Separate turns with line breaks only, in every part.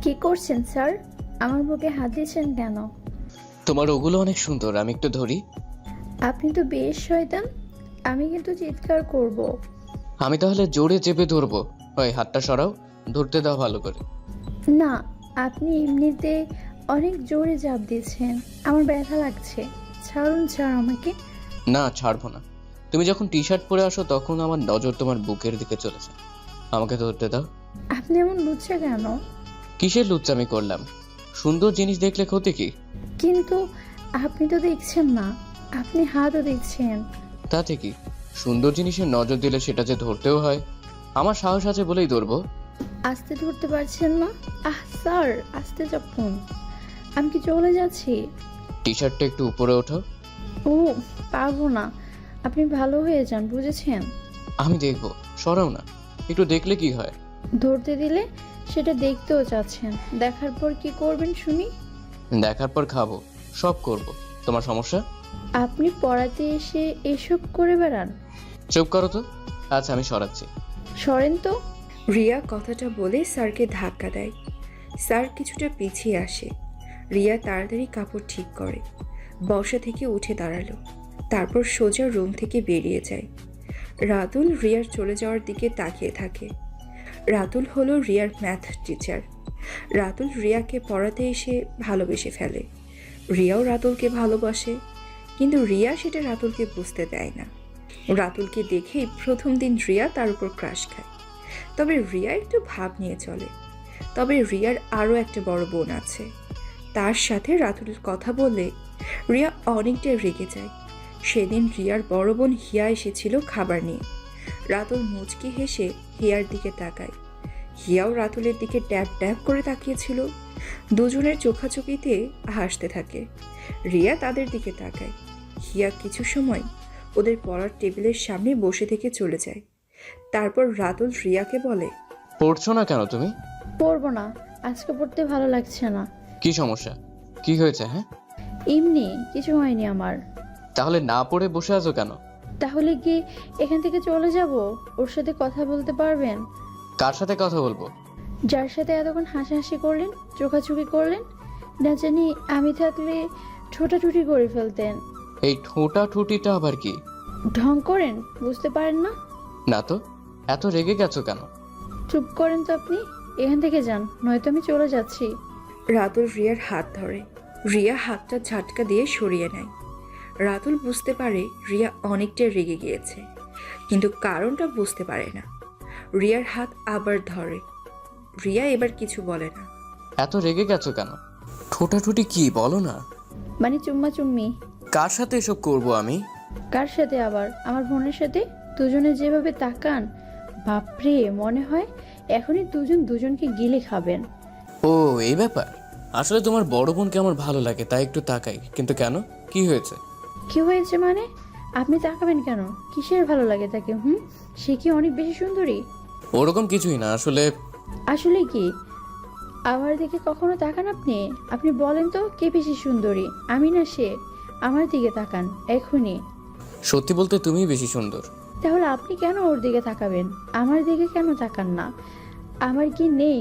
কি করছেন স্যার? আমার বুকে হাত দিয়েছেন কেন?
তোমার ওগুলো অনেক সুন্দর, আমি একটু ধরি।
আপনি তো বেশ শয়তান। আমি কিন্তু চিৎকার করব।
আমি তাহলে জোরে চেপে ধরবো। ওই হাতটা সরাও, ধরতে দাও ভালো করে।
না, আপনি এমনিতে অনেক জোরে চাপ দিয়েছেন। আমার ব্যথা লাগছে। ছাড়ুন স্যার আমাকে।
না, ছাড়বো না। তুমি যখন টি শার্ট পরে আসো তখন আমার নজর তোমার বুকের দিকে চলেছে। আমাকে ধরতে দাও।
আপনি এমন লুচ্ছা কেন?
কিসের লুচ্চামি করলাম? সুন্দর জিনিস দেখলে ক্ষতি কি?
কিন্তু আপনি তো দেখছেন না। আপনি হাতও দেখছেন।
তাতে কি? সুন্দর জিনিসের নজর দিলে সেটা যে ধরতেও হয়। আমার সাহস আছে বলেই ধরবো।
আস্তে ধরতে পারছেন না? স্যার, আস্তে চাপুন। আমি কি চলে যাচ্ছি?
টি শার্টটা একটু উপরে ওঠো।
ও, পারবো না। আপনি ভালো হয়ে যান, বুঝেছেন?
আমি দেখবো, সরাও না। একটু দেখলে কি হয়?
ধরতে দিলে সেটা দেখতেও চাচ্ছেন। দেখার পর কি করবেন শুনি?
দেখার পর খাবো, সব করব। তোমার সমস্যা?
আপনি পড়াতে এসে এসব করে বেড়ান?
চুপ করো তো। আচ্ছা, আমি সরাচ্ছি।
সরেন তো।
রিয়া কথাটা বলে স্যারকে ধাক্কা দেয়। স্যার কিছুটা পিছিয়ে আসে। রিয়া তাড়াতাড়ি কাপড় ঠিক করে, বসা থেকে উঠে দাঁড়ালো। তারপর সোজা রুম থেকে বেরিয়ে যায়। রাতুল রিয়ার চলে যাওয়ার দিকে তাকিয়ে থাকে। রাতুল হলো রিয়ার ম্যাথ টিচার। রাতুল রিয়াকে পড়াতে এসে ভালোবেসে ফেলে। রিয়াও রাতুলকে ভালোবাসে, কিন্তু রিয়া সেটা রাতুলকে বুঝতে দেয় না। রাতুলকে দেখেই প্রথম দিন রিয়া তার উপর ক্রাশ খায়। তবে রিয়া একটু ভাব নিয়ে চলে। তবে রিয়ার আরও একটা বড় বোন আছে। তার সাথে রাতুলের কথা বললে রিয়া অনেকটাই রেগে যায়। সেদিন রিয়ার বড় বোন হিয়া এসেছিল খাবার নিয়ে। রাতুল মুচকি হেসে হিয়ার দিকে তাকায়। হিয়াও রাতুলের দিকে ড্যাব ড্যাব করে তাকিয়েছিল। দুজনের চোখাচোখিতে হাসতে থাকে। রিয়া তাদের দিকে তাকায়। হিয়া কিছু সময় ওদের পড়ার টেবিলের সামনে বসে থেকে চলে যায়। তারপর রাতুল রিয়াকে বলে,
পড়ছো না কেন তুমি?
পড়বো না। আজকে পড়তে ভালো লাগছে না।
কি সমস্যা? কি হয়েছে? হ্যাঁ,
এমনি কিছু হয়নি আমার।
তাহলে না পড়ে বসে আছো কেন?
তাহলে কি এখান থেকে চলে যাব? ওর সাথে কথা বলতে পারবেন?
কার সাথে কথা বলবো?
যার সাথে এতক্ষণ হাসাহাসি করলেন, চোখাচোখি করলেন, না জানি আমি থাকলে ছোটাছুটি করে ফেলতেন।
এই ঠোঁটা ঠুটিটা আবার কি?
ঢং করেন, বুঝতে পারেন না?
না তো, এত রেগে গেছো কেন?
চুপ করেন তো আপনি। এখান থেকে যান, নয়তো আমি চলে যাচ্ছি।
রাতুল রিয়ার হাত ধরে। রিয়া হাতটা ঝাটকা দিয়ে সরিয়ে নেয়। রাতুল বুঝতে পারে রিয়া অনেকটা রেগে গিয়েছে, কিন্তু কারণটা বুঝতে পারে না। রিয়ার হাত আবার ধরে। রিয়া এবার কিছু বলে না।
এত রেগে গেছো কেন? ঠোঁটাঠুটি কি বলো না।
মানে চুম্মা চুম্মি।
কার সাথে এসব করবো আমি?
কার সাথে আবার? আমার বোনের সাথে। দুজনে যেভাবে তাকান, বাপরে, মনে হয় এখনই দুজন দুজনকে গিলে খাবেন।
ও, এই ব্যাপার। আসলে তোমার বড় বোনকে আমার ভালো লাগে, তাই একটু তাকাই। কিন্তু কেন, কি হয়েছে?
কি হয়েছে মানে? আপনি তাকাবেন কেন? কিসের ভালো লাগে তাকে? সে কি অনেক বেশি সুন্দরী?
ওরকম কিছুই না আসলে।
আসলে কি? আমার দিকে কখনো তাকান আপনি? আপনি বলেন তো, কে বেশি সুন্দরী, আমি না সে? আমার দিকে তাকান এখনই।
সত্যি বলতে তুমিই বেশি সুন্দর।
তাহলে আপনি কেন ওর দিকে তাকাবেন? আমার দিকে কেন তাকান না? আমার কি নেই?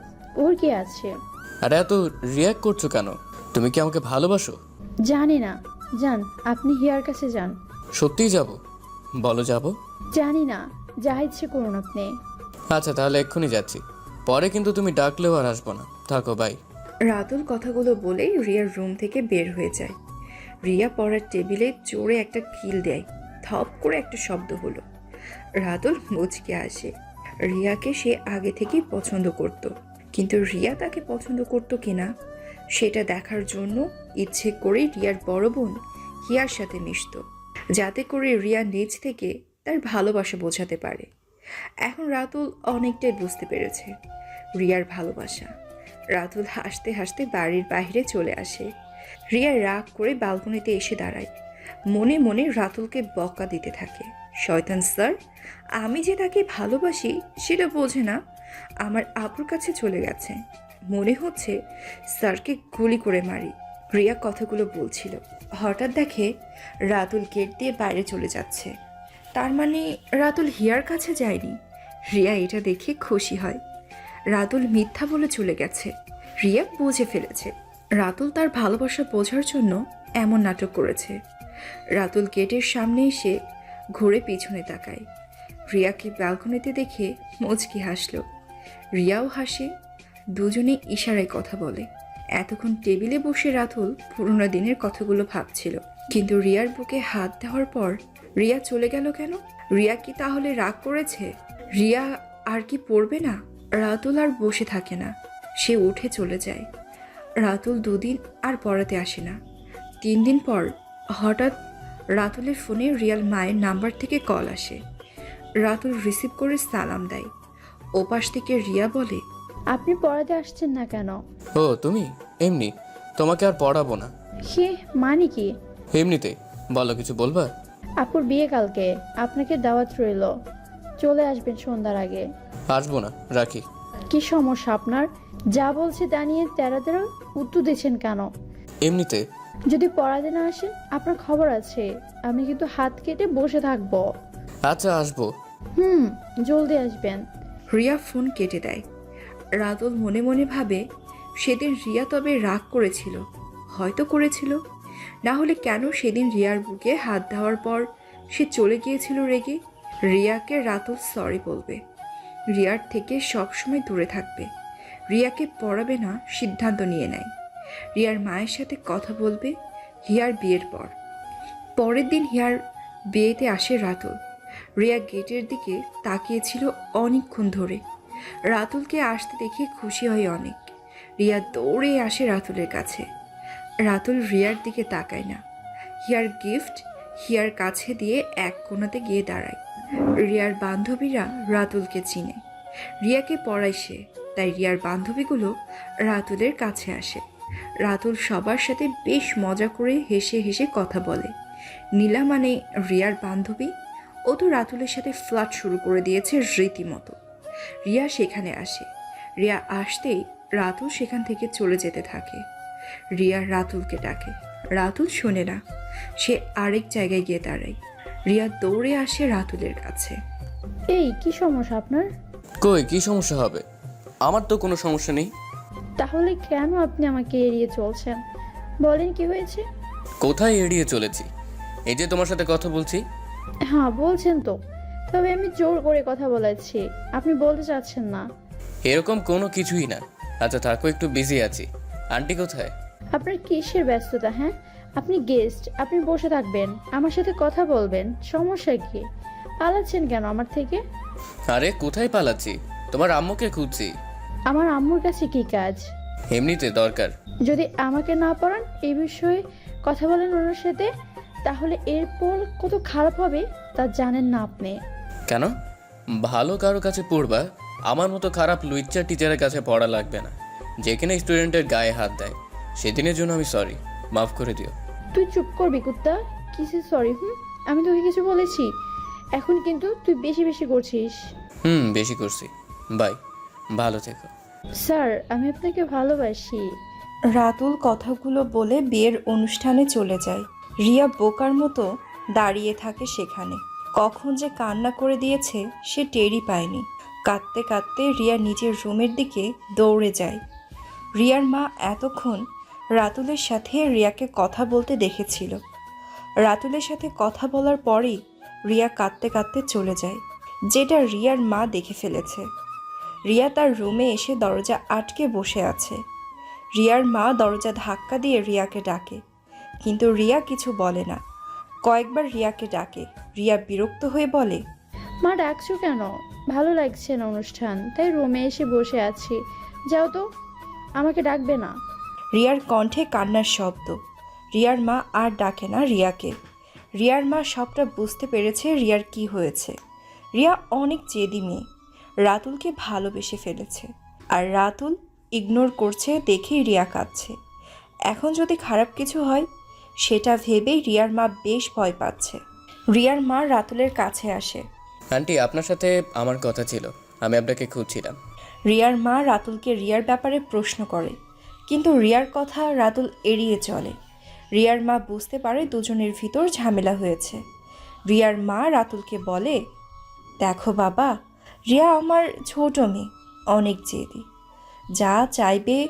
ওর কি আছে?
আরে এত রিয়াক্ট করছো কেন? তুমি কি আমাকে ভালোবাসো?
জানি না। যান, আপনি হিয়ার কাছে যান।
সত্যিই যাব? বলো যাব।
জানি না, যা ইচ্ছে করুন আপনি।
আচ্ছা, তাহলে এক্ষুনি যাচ্ছি। পরে কিন্তু তুমি ডাকলেও আর আসবো না। থাকো, বাই।
রাতুল কথাগুলো বলেই রিয়ার রুম থেকে বের হয়ে যায়। রিয়া পড়ার টেবিলে জোরে একটা কিল দেয়। থপ করে একটা শব্দ হলো। রাতুল মুচকে আসে। রিয়াকে সে আগে থেকেই পছন্দ করত, কিন্তু রিয়া তাকে পছন্দ করতো কিনা সেটা দেখার জন্য ইচ্ছে করেই রিয়ার বড় বোন হিয়ার সাথে মিশত, যাতে করে রিয়া নিজ থেকে তার ভালোবাসা বোঝাতে পারে। এখন রাতুল অনেকটাই বুঝতে পেরেছে রিয়ার ভালোবাসা। রাতুল হাসতে হাসতে বাড়ির বাইরে চলে আসে। রিয়া রাগ করে বালকনিতে এসে দাঁড়ায়। মনে মনে রাতুলকে বকা দিতে থাকে। শয়তান স্যার, আমি যে তাকে ভালোবাসি সেটা বোঝে না, আমার আপুর কাছে চলে গেছে। মনে হচ্ছে স্যারকে গুলি করে মারি। রিয়া কথাগুলো বলছিল, হঠাৎ দেখে রাতুল গেট দিয়ে বাইরে চলে যাচ্ছে। তার মানে রাতুল হিয়ার কাছে যায়নি। রিয়া এটা দেখে খুশি হয়। রাতুল মিথ্যা বলে চলে গেছে। রিয়া বুঝে ফেলেছে রাতুল তার ভালোবাসা বোঝার জন্য এমন নাটক করেছে। রাতুল গেটের সামনে এসে ঘুরে পিছনে তাকায়। রিয়াকে ব্যালকনিতে দেখে মুচকি হাসল। রিয়াও হাসে। দুজনে ইশারায় কথা বলে। এতক্ষণ টেবিলে বসে রাতুল পুরোনো দিনের কথাগুলো ভাবছিল, কিন্তু রিয়ার বুকে হাত দেওয়ার পর রিয়া চলে গেল কেন? রিয়া কি তাহলে রাগ করেছে? রিয়া আর কি পড়বে না? রাতুল আর বসে থাকে না, সে উঠে চলে যায়। রাতুল 2 দিন আর পড়াতে আসে না। 3 দিন পর হঠাৎ রাতুলের ফোনে রিয়ার মায়ের নাম্বার থেকে কল আসে। রাতুল রিসিভ করে সালাম দেয়। ওপাশ থেকে রিয়া বলে,
আপনি পড়াতে আসছেন না কেন?
ও তুমি? এমনি, তোমাকে আর পড়াবো না।
সে মানে কি?
এমনিতে। বলো, কিছু বলবা?
আপুর বিয়ে কালকে, আপনাকে দাওয়াত রইল, চলে আসবেন সন্ধ্যার আগে।
আসবো না, রাখি।
কি সমস্যা আপনার? যা বলছে তা নিয়ে তেরা তেরা উত্তর দিচ্ছেন কেন?
এমনিতে।
যদি পড়াতে না আসেন আপনার খবর আছে, আমি কিন্তু হাত কেটে বসে থাকবো।
আচ্ছা, আসবো।
জলদি আসবেন।
রিয়া ফোন কেটে দেয়। রাতুল মনে মনে ভাবে, সেদিন রিয়া তবে রাগ করেছিল, হয়তো করেছিল, না হলে কেন সেদিন রিয়ার বুকে হাত দেওয়ার পর সে চলে গিয়েছিল রেগে? রিয়াকে রাতুল সরি বলবে, রিয়ার থেকে সবসময় দূরে থাকবে, রিয়াকে পড়াবে না সিদ্ধান্ত নিয়ে নেয়। রিয়ার মায়ের সাথে কথা বলবে হিয়ার বিয়ের পর। পরের দিন হিয়ার বিয়েতে আসে রাতুল। রিয়া গেটের দিকে তাকিয়েছিল অনেকক্ষণ ধরে। রাতুলকে আসতে দেখে খুশি হয় অনেক। রিয়া দৌড়ে আসে রাতুলের কাছে। রাতুল রিয়ার দিকে তাকায় না। হিয়ার গিফট হিয়ার কাছে দিয়ে এক কোণাতে গিয়ে দাঁড়ায়। রিয়ার বান্ধবীরা রাতুলকে চিনে, রিয়াকে পড়ায় সে, তাই রিয়ার বান্ধবীগুলো রাতুলের কাছে আসে। রাতুল সবার সাথে বেশ মজা করে হেসে হেসে কথা বলে। নীলা মানে রিয়ার বান্ধবী, ও তো রাতুলের সাথে ফ্লার্ট শুরু করে দিয়েছে রীতিমতো। রিয়া সেখানে আসে। রিয়া আসতেই রাতুল সেখান থেকে চলে যেতে থাকে। রিয়া রাতুলকে ডাকে, রাতুল শোনে না, সে আরেক জায়গায় গিয়ে দাঁড়ায়। রিয়া দৌড়ে আসে রাতুলের কাছে।
এই কি সমস্যা আপনার?
কই, কি সমস্যা হবে? আমার তো কোনো সমস্যা নেই।
তাহলে কেন আপনি আমাকে এড়িয়ে চলছেন? বলেন কি হয়েছে?
কোথায় এড়িয়ে চলেছি? এই যে তোমার সাথে কথা বলছি।
হ্যাঁ বলছেন তো, তবে আমি জোর করে কথা বলেছি, আপনি বলতে চাচ্ছেন না।
এরকম কোনো কিছুই না। আচ্ছা থাকো, একটু বিজি আছি। আন্টি কোথায়?
আপনার কিসের ব্যস্ততা? হ্যাঁ, আপনি গেস্ট, আপনি বসে থাকবেন, আমার সাথে কথা বলবেন, সমস্যা কি? পালাচ্ছেন কেন আমার থেকে?
আরে কোথায় পালাচ্ছি? তোমার আম্মুকে খুঁজছি।
আমার আম্মুর কাছে কি কাজ?
এমনিতে দরকার।
যদি আমাকে না পড়ান, এই বিষয়ে কথা বলেন ওনার সাথে, তাহলে এরপর কত খারাপ হবে তা জানেন না আপনি।
কেন? ভালো কারো কাছে পড়বা, আমার মতো খারাপ লুইচ্চা টিচারের কাছে পড়া লাগবে না, যেখানে স্টুডেন্টের গায়ে হাত দেয়। সেদিনের জন্য আমি সরি, মাফ করে দিও।
তুই চুপ করবি কুত্তা? কিসে সরি? আমি তোকে কিছু বলেছি? এখন কিন্তু তুই বেশি বেশি করছিস।
বেশি করছি। বাই, ভালো থেকো।
স্যার, আমি আপনাকে ভালোবাসি।
রাতুল কথাগুলো বলে বিয়ের অনুষ্ঠানে চলে যায়। রিয়া বোকার মতো দাঁড়িয়ে থাকে সেখানে। কখন যে কান্না করে দিয়েছে সে টেরই পায়নি। কাঁদতে কাঁদতে রিয়া নিজের রুমের দিকে দৌড়ে যায়। রিয়ার মা এতক্ষণ রাতুলের সাথে রিয়াকে কথা বলতে দেখেছিল। রাতুলের সাথে কথা বলার পরেই রিয়া কাঁদতে কাঁদতে চলে যায়, যেটা রিয়ার মা দেখে ফেলেছে। রিয়া তার রুমে এসে দরজা আটকে বসে আছে। রিয়ার মা দরজা ধাক্কা দিয়ে রিয়াকে ডাকে, কিন্তু রিয়া কিছু বলে না। কয়েকবার রিয়াকে ডাকে। রিয়া বিরক্ত হয়ে বলে,
মা ডাকছো কেন? ভালো লাগছে না অনুষ্ঠান, তাই রুমে এসে বসে আছি। যাও তো, আমাকে ডাকবে না।
রিয়ার কণ্ঠে কান্নার শব্দ। রিয়ার মা আর ডাকে না রিয়াকে। রিয়ার মা সবটা বুঝতে পেরেছে রিয়ার কি হয়েছে। রিয়া অনেক জেদি মেয়ে, রাতুলকে ভালোবেসে ফেলেছে, আর রাতুল ইগনোর করছে দেখেই রিয়া কাঁদছে। এখন যদি খারাপ কিছু হয় সেটা ভেবেই রিয়ার মা বেশ ভয় পাচ্ছে। রিয়ার মা রাতুলের কাছে আসে।
আন্টি, আপনার সাথে আমার কথা ছিল, আমি আপনাকে খুঁজছিলাম।
রিয়ার মা রাতুলকে রিয়ার ব্যাপারে প্রশ্ন করে, কিন্তু রিয়ার কথা রাতুল এড়িয়ে চলে। রিয়ার মা বুঝতে পারে দুজনের ভিতর ঝামেলা হয়েছে। রিয়ার মা রাতুলকে বলে, দেখো বাবা, রিয়া আমার ছোট মেয়ে, অনেক জেদি, যা চাইবে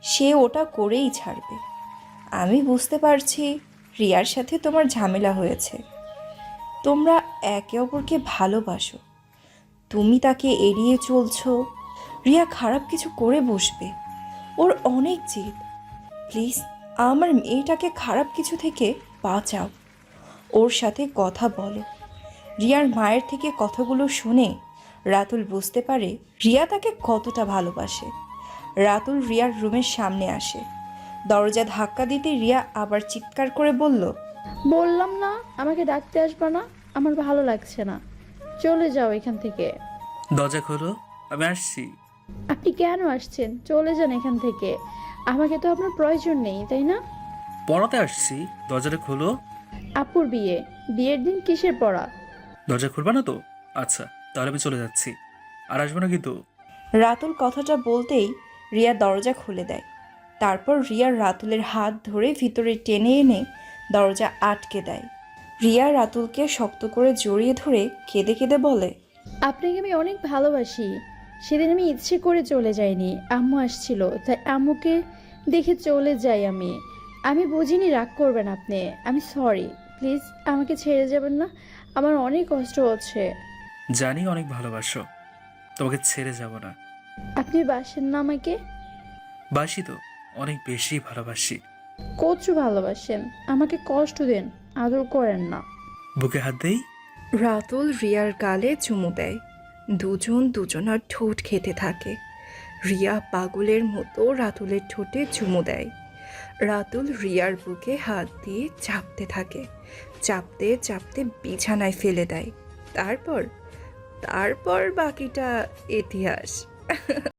সে ওটা করেই ছাড়বে। আমি বুঝতে পারছি রিয়ার সাথে তোমার ঝামেলা হয়েছে। তোমরা একে অপরকে ভালোবাসো, তুমি তাকে এড়িয়ে চলছো। রিয়া খারাপ কিছু করে বসবে, ওর অনেক জেদ। প্লিজ আমার মেয়েটাকে খারাপ কিছু থেকে বাঁচাও, ওর সাথে কথা বলো। রিয়ার মায়ের থেকে কথাগুলো শুনে রাতুল বুঝতে পারে রিয়া তাকে কতটা ভালোবাসে। রাতুল রিয়ার রুমের সামনে আসে। দরজা ধাক্কা দিতে রিয়া আবার চিৎকার করে বলল,
বললাম না আমাকে ডাকতে আসবা না, আমার ভালো লাগছে না, চলে যাও এখান থেকে।
দরজা খোলো, আমি আসছি।
আপনি কেন আসছেন? চলে যান এখান থেকে, আমাকে তো আপনার প্রয়োজন নেই, তাই না?
পড়াতে আসছি, দরজাটা খোলো।
আপুর বিয়ে, বিয়ের দিন কিসের পড়া?
দরজা খুলবা না তো? আচ্ছা, তাহলে আমি চলে যাচ্ছি, আর আসবো না কিন্তু।
রাতুল কথাটা বলতেই রিয়া দরজা খুলে দেয়। তারপর রিয়া রাতুলের হাত ধরে ভিতরে টেনে এনে দরজা আটকে দেয়। রিয়া রাতুলকে শক্ত করে জড়িয়ে ধরে কেঁদে কেঁদে বলে,
আপনাকে আমি অনেক ভালোবাসি। সেদিন আমি ইচ্ছে করে চলে যাইনি, আম্মু আসছিল তাই আম্মুকে দেখে চলে যাই আমি। আমি বুঝিনি রাগ করবেন আপনি, আমি সরি। প্লিজ আমাকে ছেড়ে যাবেন না, আমার অনেক কষ্ট হচ্ছে।
জানি অনেক ভালোবাসো, তোমাকে ছেড়ে যাব না।
আপনি বাসেন না আমাকে?
বাসি তো, অনেক বেশি ভালোবাসি।
কচু ভালোবাসেন, আমাকে কষ্ট দেন, আদর করেন না।
বুকে হাত দেই।
রাতুল রিয়ার গালে চুমু দেয়। দুজন দুজনার ঠোঁট খেতে থাকে। রিয়া পাগলের মতো রাতুলের ঠোঁটে চুমু দেয়। রাতুল রিয়ার বুকে হাত দিয়ে চাপতে থাকে, চাপতে চাপতে বিছানায় ফেলে দেয়। তারপর তারপর বাকিটা ইতিহাস।